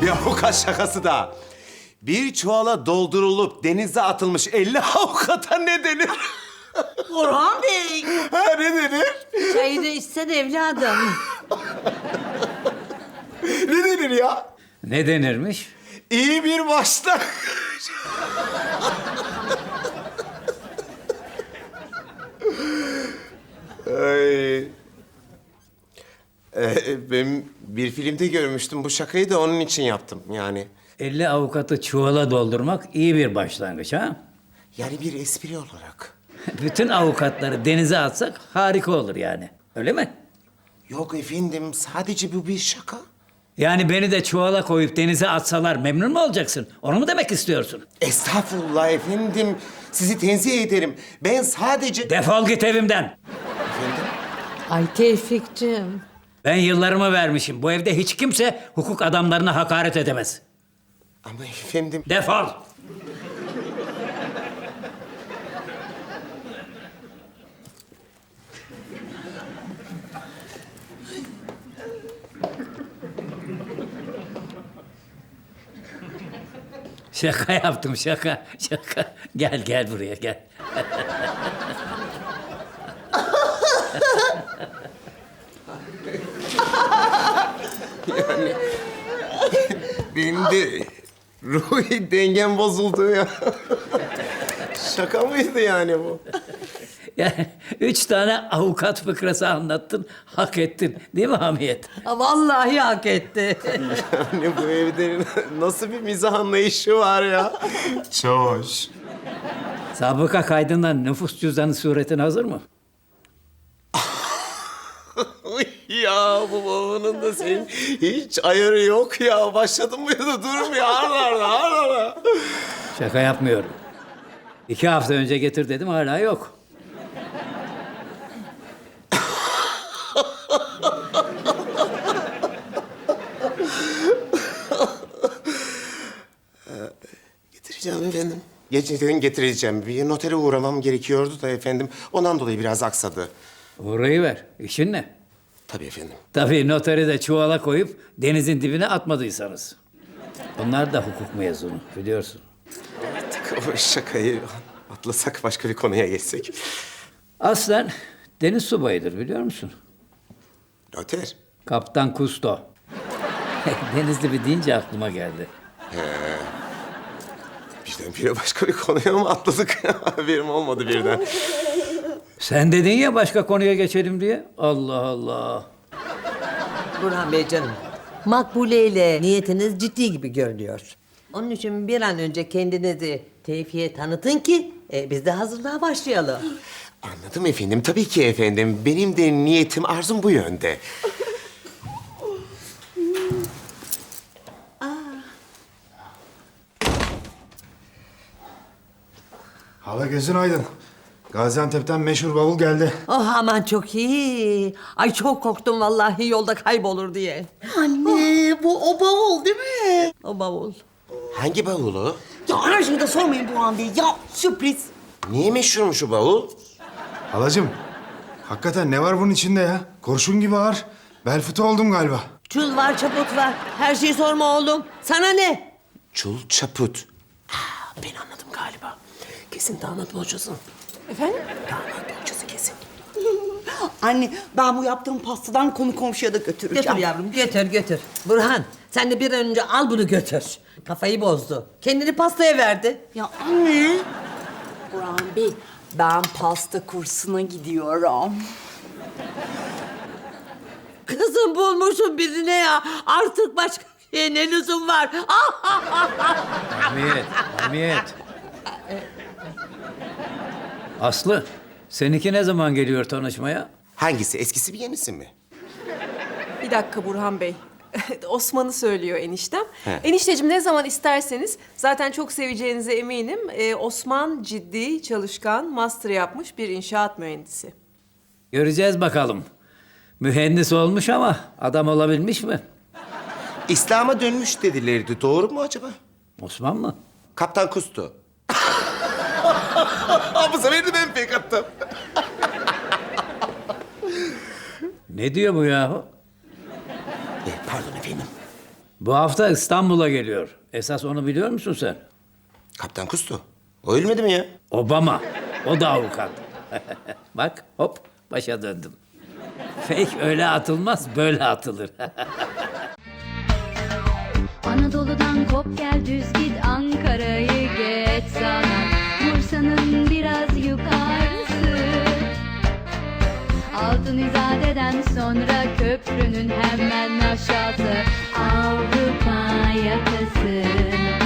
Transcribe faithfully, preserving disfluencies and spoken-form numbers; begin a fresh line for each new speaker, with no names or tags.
Bir avukat şakası da. Bir çuvala doldurulup denize atılmış elli avukata ne denir?
Burhan Bey.
Ha, ne denir?
Çayını içsen evladım.
Ne denir ya?
Ne denirmiş?
İyi bir başlangıç. Ay. Ee, ben bir filmde görmüştüm bu şakayı da onun için yaptım yani.
elli avukatı çuvala doldurmak iyi bir başlangıç ha?
Yani bir espri olarak.
Bütün avukatları denize atsak harika olur yani. Öyle mi?
Yok efendim, sadece bu bir şaka.
Yani beni de çuvala koyup denize atsalar memnun mu olacaksın? Onu mu demek istiyorsun?
Estağfurullah efendim, sizi tenzih ederim. Ben sadece...
Defol git evimden.
Efendim?
Ay Tevfik'cim.
Ben yıllarımı vermişim. Bu evde hiç kimse hukuk adamlarına hakaret edemez.
Ama efendim...
Defol. Şaka yaptım, şaka, şaka. Gel, gel buraya, gel.
Benim de ruhi dengem bozuldu ya. Şaka mıydı yani bu?
Yani üç tane avukat fıkrası anlattın, hak ettin. Değil mi Hamiyet?
Ha, vallahi hak etti.
Yani bu evde nasıl bir mizah anlayışı var ya? Çoş.
Sabıka kaydından nüfus cüzdanı suretin hazır mı?
Ya bu babanın da senin hiç ayarı yok ya. Başladın mı ya da durmuyor. Arda arda arda arda.
Şaka yapmıyorum. İki hafta önce getir dedim, hala yok.
Getireceğim efendim. Gerçekten getireceğim. Bir notere uğramam gerekiyordu da efendim. Ondan dolayı biraz aksadı.
Uğrayıver. İşin ne?
Tabii efendim.
Tabii noteri de çuvala koyup denizin dibine atmadıysanız. Bunlar da hukuk mezunu, biliyorsun.
Artık o şakayı atlasak, başka bir konuya geçsek.
Aslen deniz subayıdır, biliyor musun?
Noter.
Kaptan Kusto. Deniz dibi deyince aklıma geldi.
Birdenbire başka bir konuya mı atladık? Haberim olmadı birden.
Sen dedin ya başka konuya geçelim diye. Allah Allah.
Burhan Bey canım. Makbule ile niyetiniz ciddi gibi görünüyor. Onun için bir an önce kendinizi Tevfik'e tanıtın ki e, biz de hazırlığa başlayalım.
Anladım efendim. Tabii ki efendim. Benim de niyetim, arzum bu yönde.
Hala gözün aydın. Gaziantep'ten meşhur bavul geldi.
Oh aman çok iyi. Ay çok korktum vallahi yolda kaybolur diye.
Anne bu o bavul değil mi?
O bavul.
Hangi bavulu?
Ya her şeyi de sormayın Burhan Bey. Ya sürpriz.
Niye meşhurmuş şu bavul?
Halacığım, hakikaten ne var bunun içinde ya? Kurşun gibi ağır. Bel fıtı oldum galiba.
Çul var çaput var. Her şeyi sorma oğlum. Sana ne?
Çul çaput. Aa, ben anladım galiba. Kesin damat bohçası.
Efendim?
Damat bohçası kesin.
Anne ben bu yaptığım pastadan konu komşuya da götüreceğim.
Götür yavrum götür götür. Burhan sen de bir an önce al bunu götür. Kafayı bozdu. Kendini pastaya verdi.
Ya anne. Burhan Bey ben pasta kursuna gidiyorum.
Kızım bulmuşum birine ya. Artık başka şeye ne lüzum var?
Hamiyet, Hamiyet. Aslı, seninki ne zaman geliyor tanışmaya?
Hangisi? Eskisi mi, yenisi mi?
Bir dakika Burhan Bey. Osman'ı söylüyor eniştem.
He.
Enişteciğim ne zaman isterseniz zaten çok seveceğinize eminim. Ee, Osman ciddi, çalışkan, master yapmış bir inşaat mühendisi.
Göreceğiz bakalım. Mühendis olmuş ama adam olabilmiş mi?
İslam'a dönmüş dedilerdi. Doğru mu acaba?
Osman mı?
Kaptan Kustu. Bu sefer de ben pek attım.
Ne diyor bu yahu?
E, pardon efendim.
Bu hafta İstanbul'a geliyor. Esas onu biliyor musun sen?
Kaptan Kustu. O ölmedi mi ya?
Obama. O da avukat. Bak hop başa döndüm. Fake öyle atılmaz böyle atılır.
Anadolu'dan kop gel düz git Ankara'yı geç sana Bursa'nın biraz yukarısı Altın İzade'den sonra köprünün hemen aşağısı Avrupa yakası